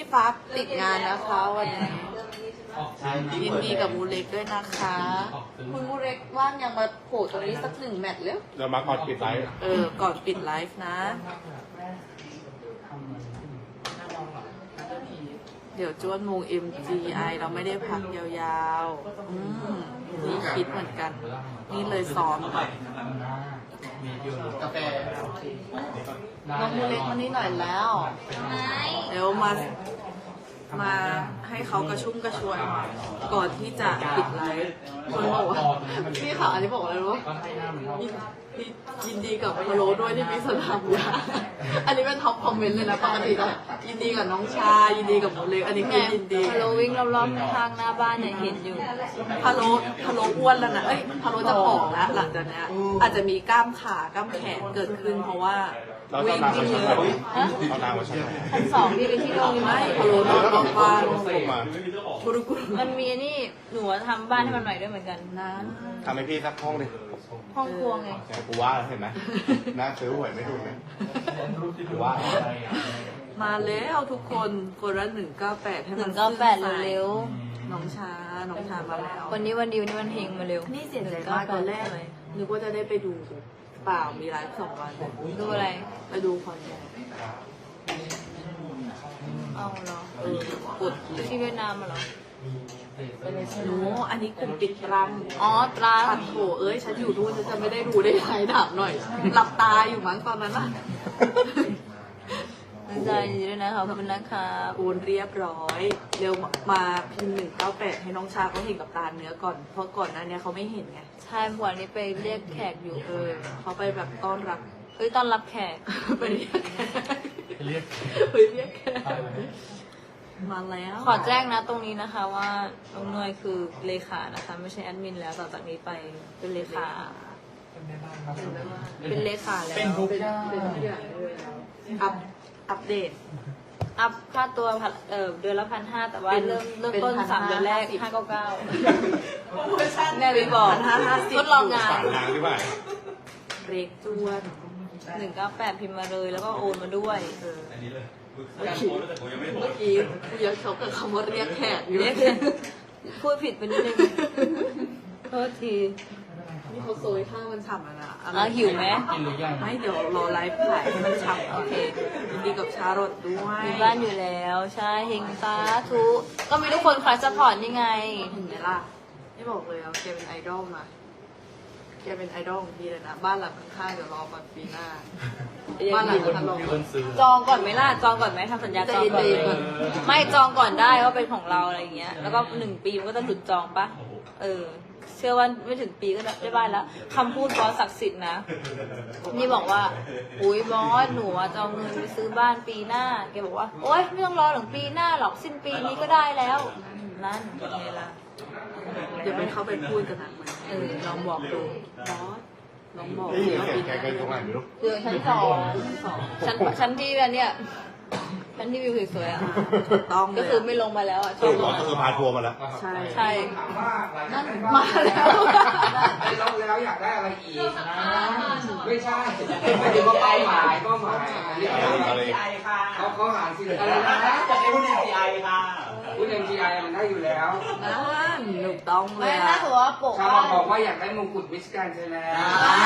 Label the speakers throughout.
Speaker 1: ฟ้าติดงานนะคะวันนี้ยินดีกับมูเล็กด้วยนะคะคุณมูเล็กว่างยังมาโผล่ตรงนี้สักหนึ่งแมตช์เร็ว
Speaker 2: เรามาก่อนปิดไลฟ์
Speaker 1: ก่อนปิดไลฟ์นะ เดี๋ยวจวนวง MGI เราไม่ได้พักยาวๆนี่คิดเหมือนกัน นี่เลยซ้อมกาแฟน้องมูเล็กมานี่หน่อยแล้วเดี๋ยวมาให้เขากระชุ่มกระชวยก่อนที่จะปิดไลฟ์คนบอกว่าพี่ค่ะอันนี้บอกอะไรรู้ยินดีกับพะโล้ด้วยที่มีสนามยาอันนี้เป็นท็อปคอมเมนต์เลยนะปกตินะยินดีกับน้องชายินดีกับหมูเล็กอันนี้คือยินดีพะโล้วิ่งรอบๆทางหน้าบ้านเนี่ยเห็นอยู่พะโล้อ้วนแล้วนะพะโล้จะผอมแล้วหลังจากนี้อาจจะมีกล้ามขากล้ามแขนเกิดขึ้นเพราะว่าวิ่งเยอะ
Speaker 2: เอานางมาใช้
Speaker 3: ชั้นสองที่ไปที่โรง
Speaker 1: ไม่พะโล้นอนบอกว่า
Speaker 3: มันมีนี่หนูทำบ้านให้มันหน่อยด้วยเหมือนกันนะ
Speaker 2: ทำให้พี่สักห้องดิ
Speaker 3: ห้องครัวไง
Speaker 2: กูว่าเห็นไหมน่าซื้อหวยไม่ถูกเลยกูว่า
Speaker 1: มาแล้วทุกคนคนละ198ให้มัน
Speaker 3: 198เร็ว
Speaker 1: น้องชามาแล้ว
Speaker 3: วันนี้วันดีวันนี้วันเฮงมาเร็ว
Speaker 1: นี่เสียใจมากตอนแรกเลยนึกว่าจะได้ไปดูเปล่ามีไลฟ์2 วัน
Speaker 3: ดูอะไร
Speaker 1: ไปดูคอนแกน
Speaker 3: เอาเหร
Speaker 1: อกด
Speaker 3: ที่เวียดนามมาเหรอ
Speaker 1: หนูอันนี้กลุ่มปิดตรัง
Speaker 3: ตรัง
Speaker 1: ปัดโถฉันอยู่นู่นฉันจะไม่ได้ดูได้ไงถามหน่อยหลับตาอยู่มั้งตอนนั้นน่ะ
Speaker 3: ใจดีด้วยนะคะขอบคุณนะคะ
Speaker 1: โอนเรียบร้อยเร็วมาพิมพ์198ให้น้องชาเขาเห็นกับตาเนื้อก่อนเพราะก่อนหน้านี้เขาไม่เห็นไง
Speaker 3: ใช่วันนี้ไปเรียกแขกอยู่
Speaker 1: เขาไปแบบต้อนรับ
Speaker 3: ต้อนรับแขก
Speaker 1: ไปเรียกแขกมาแล้ว
Speaker 3: ขอแจ้งนะตรงนี้นะคะว่าน้องหน่วยคือเลขานะคะไม่ใช่แอดมินแล้วต่อจากนี้ไปเป็นเลขาเป็นเลขาแล้ว
Speaker 1: เป็นทุกอย่างอัปเดต
Speaker 3: อัพค่าตัวเดือนละ1,500แต่ว่าเริ่มต้น3 เดือนแรก599แม่วิบอกทดลองงาน
Speaker 1: เรกจวน
Speaker 3: 198พิมพ์มาเลยแล้วก็โอนมาด้วย
Speaker 1: เมื่อกี้ยังเขากับคำว่าเรียกแขกอยู่
Speaker 3: พูดผิดไปนิดนึงโทษที
Speaker 1: นี่เขาโซยข้าวมันฉ่ำนะ
Speaker 3: หิวไหม
Speaker 1: ไม่เดี๋ยวรอไลฟ์ขายมันฉ่ำโอเคดีกับชารสด้วย
Speaker 3: มีบ้านอยู่แล้วใช่เฮงตาทุก็มีทุกคนคอยซัพพอร์ตนี่ไง
Speaker 1: เห็นไหมล่ะไม่บอกเลยแกเป็นไอดอลมาแกเป็นไอดอลของพี่เลยนะบ้านหลังข้างๆเดี๋ยวรอก่อนปีหน้าบ้านหลังถล่ม
Speaker 3: จองก่อนไหมล่ะจองก่อนไหมทำสัญญาจองก่อนไม่จองก่อนได้ว่าเป็นของเราอะไรอย่างเงี้ยแล้วก็1 ปีมันก็จะหลุดจองปะเชื่อว่าไม่ถึงปีก็ได้บ้านแล้วคำพูดบอสศักดิ์สิทธิ์นะนี่บอกว่าอุ้ยบอสหนูจะเอาเงินไปซื้อบ้านปีหน้าแกบอกว่าโอ๊ยไม่ต้องรอถึงปีหน้าหรอกสิ้นปีนี้ก็ได้แล้วนั่นเป็นไงล่ะ
Speaker 1: เดี๋ยวไปเข้าไปพูดกันนะ
Speaker 3: ลองบอกดู
Speaker 1: บอสลองบอก
Speaker 2: แกก็ตรงไหนไม่รู้
Speaker 3: คือชั้น 2ชั้นที่เนี่ยชั้นที่วิวสวยๆ
Speaker 1: ต้อง
Speaker 3: ก็คือไม่ลงมาแล้ว
Speaker 2: ก็คือพาทัวร์มาแล้ว
Speaker 3: ใช่
Speaker 1: นั่นมาแล้ว
Speaker 4: ไปลงแล้วอยากได้อะไรอีกไม่ใช่ไม่ถึงว่าเป้าหมายเขาหาสิอะไรนะ
Speaker 5: จะได้หุ้น MGI ค่ะ
Speaker 4: หุ้น MGI มันได้อยู่แล้ว
Speaker 1: นั่นถูกต้องเลย
Speaker 3: ไม่น่าถือว่าโปะ
Speaker 4: ชาวบอกว่าอยากได้มงกุฎมิสแกรนด์ไทยแลนด์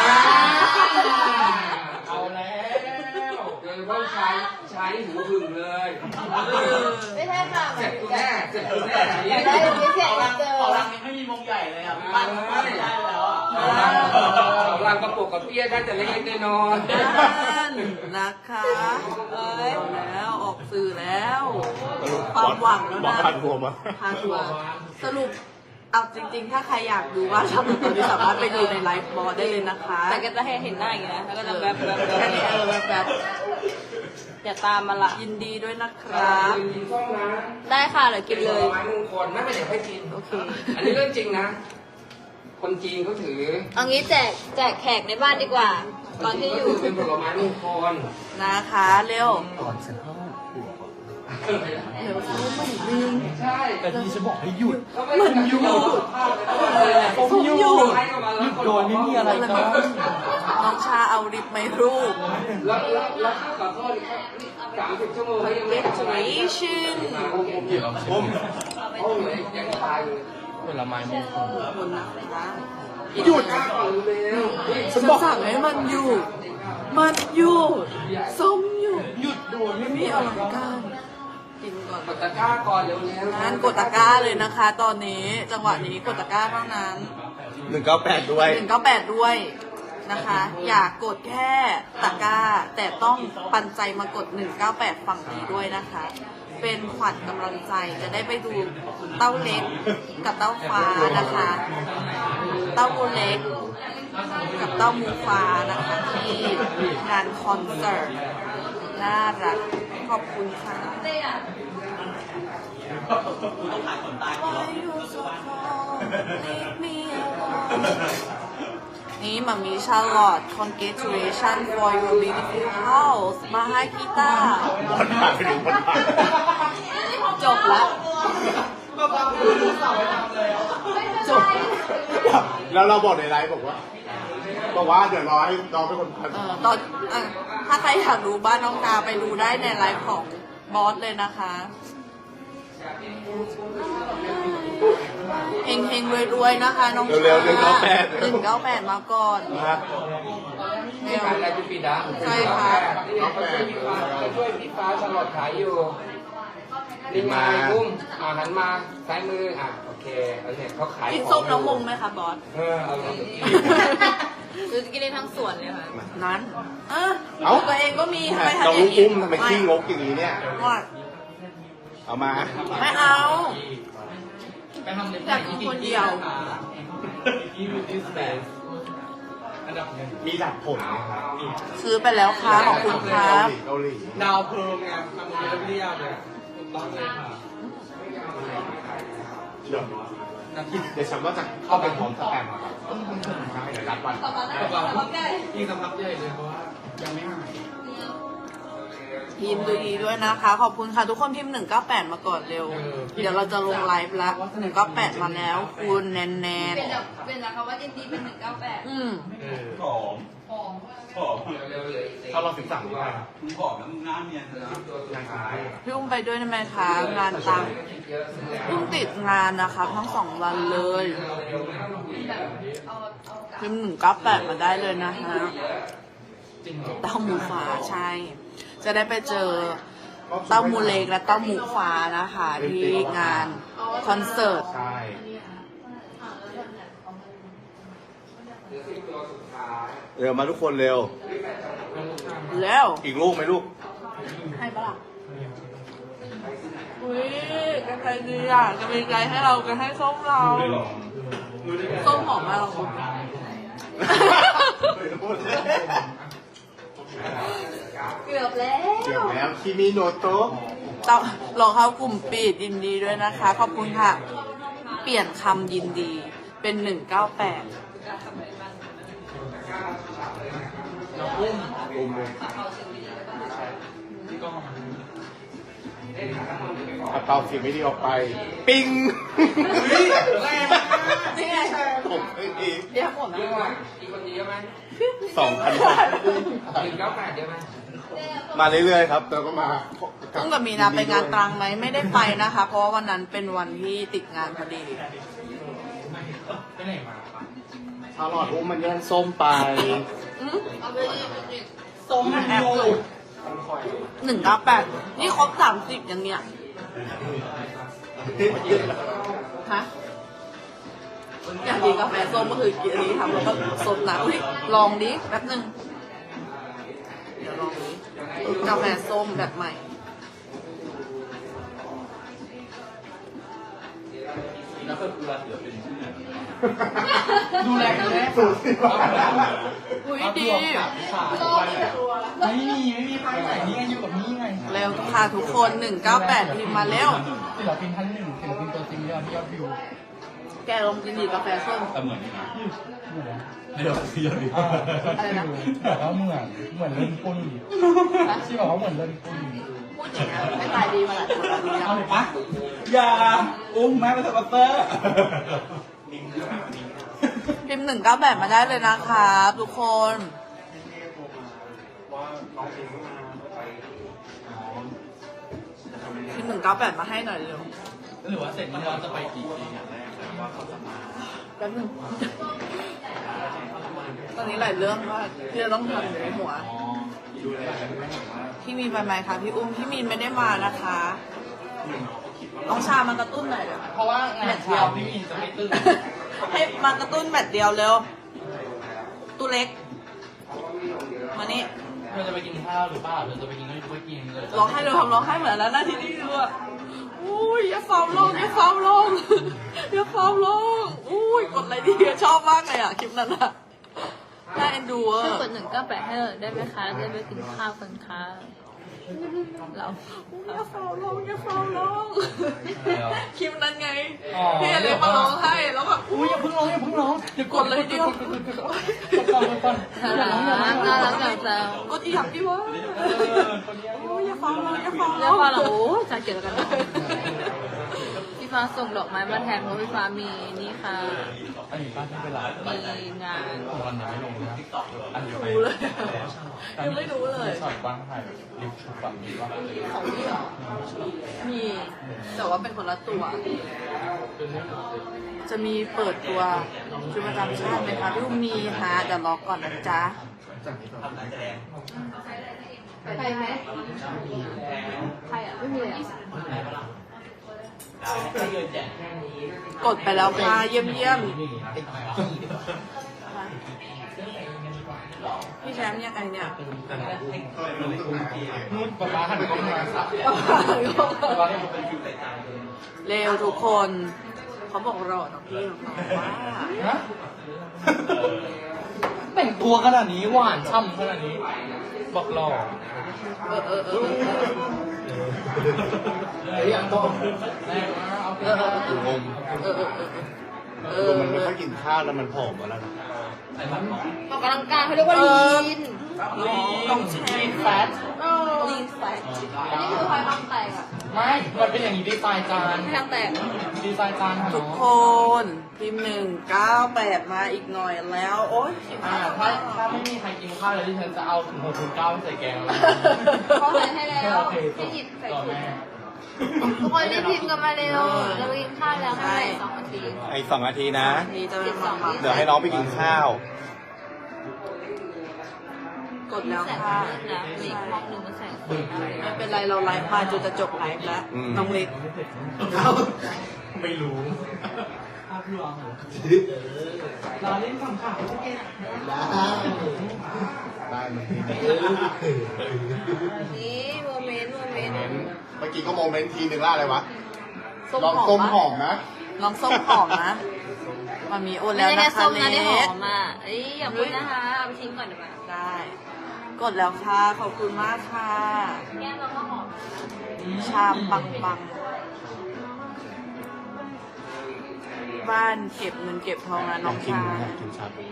Speaker 5: เอาแล้ว
Speaker 4: โดยเฉพาะชายหูหึงเลย
Speaker 3: ไม่ใช่ค่ะ
Speaker 4: เจ็บแน่
Speaker 3: ได้ไม่ใช่
Speaker 5: ขอรังยังไม่มีมงใหญ่เลยอ่ะบ้านไม่ได้แล้วอ่ะ
Speaker 4: รังประกบกับเปี้ยได้แต่เล็กๆน้อย
Speaker 1: ๆนะคะแล้วออกสื่อแล้วความหวังแล้วนะ
Speaker 2: พาทัวร์มา
Speaker 1: สรุปเอาจริงๆถ้าใครอยากดูว่าชอบตอนนี้สามารถไปดูในไลฟ์บอลได้เลยนะคะ
Speaker 3: แต่ก็จะให้เห็นหน้าอย่างนี้นะแล้วก็จะแบบ
Speaker 1: แค่นี้แบบ
Speaker 3: อย่าตามมาละ
Speaker 1: ยินดีด้วยนะครับ
Speaker 3: ได้ค่ะเดี๋ยวกินเลย
Speaker 4: ไม้มงคลไม่เป็นเดี๋ยวให้กิน
Speaker 1: โอเค
Speaker 4: อันนี้เรื่องจริงนะคนจีนเขาถือ
Speaker 3: เอางี้แจกแขกในบ้านดีกว่าตอนที่อยู่
Speaker 4: เป็นผลไม้มงคล
Speaker 1: นะคะเร็ว
Speaker 2: ก่อนจะเข้า
Speaker 1: เดี๋ยวเขาไม่ลืม
Speaker 4: ใช่
Speaker 5: แต่ที่จะบอกให้หยุด
Speaker 1: มันหยุด
Speaker 5: ผมหยุดโดยไม่มีอะไรก็
Speaker 1: น้องชาเอาลิปไม่รูป
Speaker 4: แล้วขอโทษ30 ชั่วโมงยังไม่
Speaker 1: congratulations
Speaker 2: ผม
Speaker 4: โอ้ยยังตายอยู่
Speaker 5: ผลไม้มงคล
Speaker 1: ขอบคุณนะคะ
Speaker 2: หยุด
Speaker 4: กล้าก่อนเร็ว
Speaker 1: ฉันสั่งให้มันหยุดมันหยุดส้มหยุด
Speaker 2: หยุดโดน
Speaker 1: ไม่มีอลังการกินก่อน
Speaker 4: กดตะกร้าก่อนเร็วๆ
Speaker 1: งั้นกดตะกร้าเลยนะคะ ตอนนี้จังหวะนี้กดตะกร้าเท่านั้น
Speaker 2: 198ด้วย
Speaker 1: 198ด้วยนะคะ อยากกดแค่ตะกร้า แต่ต้องปันใจมากด 198 ฝั่งนี้ด้วยนะคะ เป็นขวัญกำลังใจจะได้ไปดูเต้าเล็กกับเต้าฟ้านะคะ เต้าบูเล็กกับเต้ามูฟ้านะคะที่งานคอนเสิร์ตน่ารักขอบคุณค่ะ Why you so cold? Leave me alone. นี่มามีชาลอต congratulation for your beautiful house มาให้กีตาร์
Speaker 2: บอลผ่านไปถึงบอลผ่าน
Speaker 1: จบละจบ
Speaker 2: แล้วเราบอกในไลฟ์บอกว่าเดี๋ยวรอให้น้องเป็นคนพัน
Speaker 1: ตอนถ้าใครอยากดูบ้านน้องดาวไปดูได้ในไลฟ์ของบอสเลยนะคะเฮงๆรวยๆนะคะน้อง
Speaker 2: เร็วๆ198
Speaker 1: 198มาก่อน
Speaker 2: นะ
Speaker 4: นี่ขายอะไรพี่ปีดา
Speaker 1: ใช่ค่ะ
Speaker 4: นี่เขาช่วยพี่ฟ้าชลอดขายอยู่นี่มากุ้งหันมาซ้ายมือโอเคเขาขาย
Speaker 1: กินส้มน้องมงไหมคะบอส
Speaker 4: เอาเลย
Speaker 3: คือกินได้ทั้งสวนเลยค่ะ
Speaker 1: นั้นเออ
Speaker 2: เอ้า
Speaker 1: ตัวเองก็มีทำไม
Speaker 2: น้อง
Speaker 1: ทำอย่าง
Speaker 2: อุ้มทำไมขี้งกอย่างนี้เนี่ย
Speaker 1: ว่า
Speaker 2: เอามา
Speaker 1: ไม่เอา
Speaker 5: ไปทำเล็บ
Speaker 1: อยากกินคนเดียว
Speaker 2: มีหลักผลไหมครับ
Speaker 1: ซื้อไปแล้วค่ะขอบคุณครับ
Speaker 2: เกาหลี
Speaker 5: ดาวเพิงไงทำเล็บเรียบเลยถูกต้องเลยค่ะ
Speaker 2: เดี๋ยวฉันว่าจะเข้าไปพร้อมสแปมครับเดี๋ยวนัดวัน
Speaker 5: ยิ่งสัมผัสใหญ่เลยเพราะว่ายังไม่หาย
Speaker 1: พิมพ์ดูดีด้วยนะคะ ขอบคุณค่ะทุกคนพิมพ์198มาก่อนเร็ว เดี๋ยวเราจะลงไลฟ์ละ198มาแล้วคุณแนน
Speaker 3: เป็นจากคำว่ายินดีเป็น198
Speaker 2: หอมถ้าเราถึงสั่งดีกว่า
Speaker 1: พี่อุ้มไปด้วยได้ไหมคะงานตังเพิ่งติดงานนะคะทั้ง2 วันเลยพิมพ์198มาได้เลยนะคะเต้าหมูฟ้าใช่ จะได้ไปเจอเต้าหมูเล็กและเต้าหมูฟ้านะคะที่งานคอนเสิร์ต
Speaker 2: ใช่ เร็วมาทุกคนเร็ว
Speaker 1: แล้ว
Speaker 2: อีกลูกไหมลูก
Speaker 1: ให้ปะล่ะอุ้ยกันใครดีอ่ะจะมีใจให้เรากันให้ส้มเราส้มหอมมากเราคุณ
Speaker 3: เกือบแล้ว
Speaker 2: เดี๋ยวแล้วคิมิโนโตะ
Speaker 1: ต้องลองเข้ากลุ่มปิดยินดีด้วยนะคะ ขอบคุณค่ะ เปลี่ยนคำยินดีเป็น198
Speaker 2: อุ้มเลยเอาเตาเสียงไม่ดีออกไป ปิ้ง
Speaker 1: นี่ไง
Speaker 2: ผมไม่ดี
Speaker 1: เดี๋ยวผมนะ
Speaker 4: เยอะไหมอีกคนเยอะไหม
Speaker 2: 2,000
Speaker 4: 198เยอะไหม
Speaker 2: มาเรื่อยๆครับแล้วก็มา
Speaker 1: ต้องกับมีนาไปงานตรังไหมไม่ได้ไปนะคะ เพราะว่าวันนั้นเป็นวันที่ติดงานพอดี
Speaker 5: ไปไหนมา
Speaker 2: ชาลอดอุ้มมันแย่งส้มไป
Speaker 1: ส้มแอบเลย198นี่ครบ30อย่างเนี้ยฮะอยากกินกาแฟส้มก็คือกินอันนี้ทำแล้วก็สดนะอุ๊ยลองดิแป๊บนึงเดี๋ยวลองดิกาแฟส้มแบบใหม่
Speaker 5: แล้วก็ดูแลเสือเป็นดูแลกันแน่
Speaker 2: สูตรสิบ
Speaker 1: อุ้ยดี
Speaker 5: ไม่มีใครไหนนี่ไงอยู่กับนี่ไง
Speaker 1: เร็วค่ะทุกคน198พิมพ์มาเร็ว
Speaker 5: ศิลปินท่านหนึ่งศิลปินตัวจริงยอดวิว
Speaker 1: แกลองกินดีกาแฟส้ม
Speaker 5: แต่เหมือนนะเดี๋ยวเดี๋ยว
Speaker 1: อะไรนะ
Speaker 5: บอกว่าเหมือนเล่นปุ้นที่บอกว่าเหมือนเล่นปุ้น
Speaker 1: พูดอย่างนี้ไม่ตายดีมาหลายคนแล้วเนี่ย
Speaker 5: เอาเลยปะอย่าอุ้มแม่เป็นสปอนเซอร์
Speaker 1: พิมพ์198มาได้เลยนะครับทุกคนพิมพ์198มาให้หน่อยเร็ว
Speaker 5: หรือว่าเสร็จนี้เราจะไปกี่ปีอย่างแรกแต่ว่าเขาจะมา
Speaker 1: แป๊บนึงตอนนี้หลายเรื่องมากที่จะต้องทำอยู่ในหัว
Speaker 5: ดูแล
Speaker 1: พี่มีนไปไหมคะพี่อุ้มพี่มีนไม่ได้มานะคะน้องชามากระตุ้นหน่อยเดี๋ยว
Speaker 5: เพราะว่างานเช้าพี่มีนจะไม่ตื่น
Speaker 1: ให้มากระตุ้นแมตช์เดียวเร็วตู้เล็กมานี่
Speaker 5: เธอจะไปกินข้าวหรือเปล่าเธอจะไปกินก็ไม่กินเลย
Speaker 1: ร้องไห้เร็วทำร้องไห้เหมือนแล้วนะที่นี่ด้วยอุ้ยอย่าฟาวลงอย่าฟาวลงอย่าฟาวลงอุ้ยกดอะไรดีชอบมากเลยอ่ะคลิปนั้นอ่ะน่าเอ็นดูอ่ะ
Speaker 3: ช่วยกด198ให้หน่อยได้ไหมคะจะได้ไปกินข้าวกันค่ะเรา
Speaker 1: อย่าฟาวลงอย่าฟาวลงคลิปนั้นไงพี่อะไรมาร้องไห้แล้วแบบ
Speaker 5: อุ้ยอย่าเพิ่งร้องอย่าเพิ่งร้องอย่าก
Speaker 1: ดเลยเดียว
Speaker 5: ก่อนก่อน
Speaker 3: น่ารักน่ารักจังจัง
Speaker 1: กดอีกอย่างดีวะโอ้ยอย่าฟาวลงอย่าฟาวล
Speaker 3: เรียก
Speaker 1: ง
Speaker 3: ว่าเราโอ้จะเกี่ยวกันนะพี่ฟ้าส่งดอกไม้มาแทนเพราะพี่ฟ้ามีนี่ค่ะ
Speaker 5: อันนี้ป้าที่เป็นไร
Speaker 3: มีงาน
Speaker 5: วันยังไม่ลงนะอันเดียวไป
Speaker 1: รู้เลยยังไม่รู้เลย
Speaker 5: ช็อตบ้างถ่ายลิฟต์ชุบแบบนี้ว่า
Speaker 1: ของพี่เหรอมีแต่ว่าเป็นคนละตัว จะมีเปิดตัวชุดประจำชาติไหมคะพี่อุ้มมีฮะเดี๋ยวรอก่อนนะจ๊ะ
Speaker 3: ใครไหมใครอ่ะไม่มีเลย
Speaker 1: กดไปแล้วค่ะเยี่ยมเยี่ยมพี่แชมป์ยังไงเนี่ย
Speaker 5: นู่นป้าป้าหันกล้องมาสับป้าเนี่ยเป็นคิวแต่จานเลย
Speaker 1: เร็วทุกคนเขาบอกรอน้องพี่น้องว่า
Speaker 5: ฮะแต่งตัวขนาดนี้หวานช่ำขนาดนี้บอกหล่อ
Speaker 2: ไอ้ยังต้อง
Speaker 5: งง
Speaker 2: ตัวมันไม่ค่อยกินข้าวแล้วมันผอมมาแล้วนะ
Speaker 3: ออกกำลังกายเขาเรียกว่าลีน
Speaker 1: ต้องแชร์
Speaker 5: แฟต
Speaker 3: ลีนแฟตอันนี้คือพลอยบางแตกอ่ะ
Speaker 5: ไม่มันเป็นอย่างนี้ดีไซน์จาน
Speaker 3: ทางแตก
Speaker 5: ดีไซน์จานค่ะ
Speaker 1: ทุกคนพิมพ์198มาอีกหน่อยแล้ว โอ๊ย
Speaker 5: ถ้าไม่มีใครกินข้าวเลยที่ฉันจะเอาถุง609ใส่แกงแล้ว
Speaker 3: เขาใส่ให้แล้ว
Speaker 5: โอเค
Speaker 3: ให้หยิบใส่
Speaker 5: ต่อ
Speaker 3: ถุง
Speaker 5: แม่
Speaker 3: ทุกคนรีบพิมพ์กันมาเร็วเราไปกินข้าวแล้วให้2 นาที
Speaker 2: ไอ้2 นาทีนะ
Speaker 1: นี่จะเป็นความหวัง
Speaker 2: เดี๋ยวให้น้องไปกินข้าว
Speaker 1: กดแล้ว
Speaker 3: แสง
Speaker 1: ค่ะ
Speaker 3: มืดนะอีกห้องหนึ่งมันแสงสวยมากเลย
Speaker 1: ไม่เป็นไรเราไลฟ์มาจนจะจบไลฟ์แล้ว น้องเล็ก
Speaker 5: ไม่รู้ภาพลวงเราเล่นคำข่าว
Speaker 2: ได้ไหม
Speaker 3: นี่โมเมนต์
Speaker 2: เมื่อกี้ก็โมเมนต์ทีนึงล่าอะไรวะ
Speaker 1: ส้ม
Speaker 2: ลอง
Speaker 1: หอ
Speaker 2: ต้
Speaker 1: ม
Speaker 2: ม
Speaker 1: ปะ
Speaker 2: หอมนะ
Speaker 1: ลองส้มหอมนะมามีโอน
Speaker 3: ไม่
Speaker 1: แล้ว
Speaker 3: ใช่
Speaker 1: นะ
Speaker 3: แค่
Speaker 1: คะ
Speaker 3: ส้มนะ
Speaker 1: เล็
Speaker 3: ที่หอก มอ่ะเอ้ยอย่าพูดนะคะเอาไปทิ้งก่อนดีกว่า
Speaker 1: ได้ กดแล้วค่ะ ขอบคุณมากค่ะ
Speaker 3: แก้มเราก็หอม
Speaker 1: ชามปังปังบ้านเก็บเงินเก็บทองนะน้องชา
Speaker 2: กินชาบู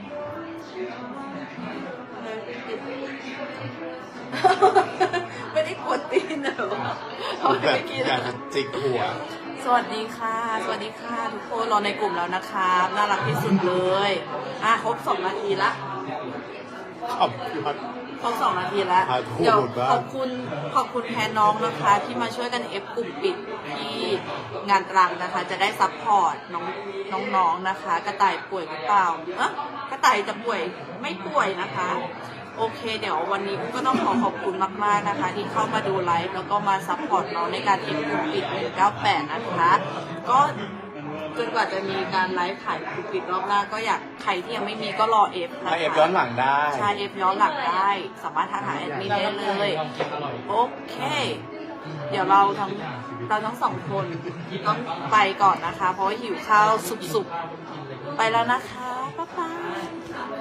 Speaker 1: ไม่ได้กดตีนเหรอเขาไม่
Speaker 2: แบบ
Speaker 1: ได้กิน
Speaker 2: อยากจะจิกหัว
Speaker 1: สวัสดีค่ะ สวัสดีค่ะ ทุกคนรอในกลุ่มแล้วนะครับน่ารักที่สุดเลยครบ2 นาทีละ
Speaker 2: ขอบยอด
Speaker 1: ครบ2 นาทีแล้ว
Speaker 2: ครับพูด
Speaker 1: เดี๋ยว
Speaker 2: หมดบ้าง
Speaker 1: ขอบคุณแทนน้องนะคะ ที่มาช่วยกันเอฟกลุ่มปิดที่งานตรังนะคะ จะได้ซัพพอร์ตน้องๆนะคะ กระต่ายป่วยหรือเปล่ากระต่ายจะป่วยไม่ป่วยนะคะ โอเค เดี๋ยววันนี้ก็ต้องขอบคุณมากๆนะคะ ที่เข้ามาดูไลฟ์แล้วก็มาซัพพอร์ตน้องในการเอฟกลุ่มปิด198นะคะ ก็จนกว่าจะมีการไลฟ์ขายกลุ่มปิดรอบหน้าก็อยากใครที่ยังไม่มีก็รอเอฟนะคะ
Speaker 2: มาเอฟย้อนหลังได้
Speaker 1: ใช่เอฟย้อนหลังได้ สามารถทักหาแอดมินได้เลย
Speaker 5: ลองกินอร่อย
Speaker 1: โอเค เดี๋ยวเราทั้งสองคนต้องไปก่อนนะคะ เพราะว่าหิวข้าวสุกๆ ไปแล้วนะคะ บ๊ายบาย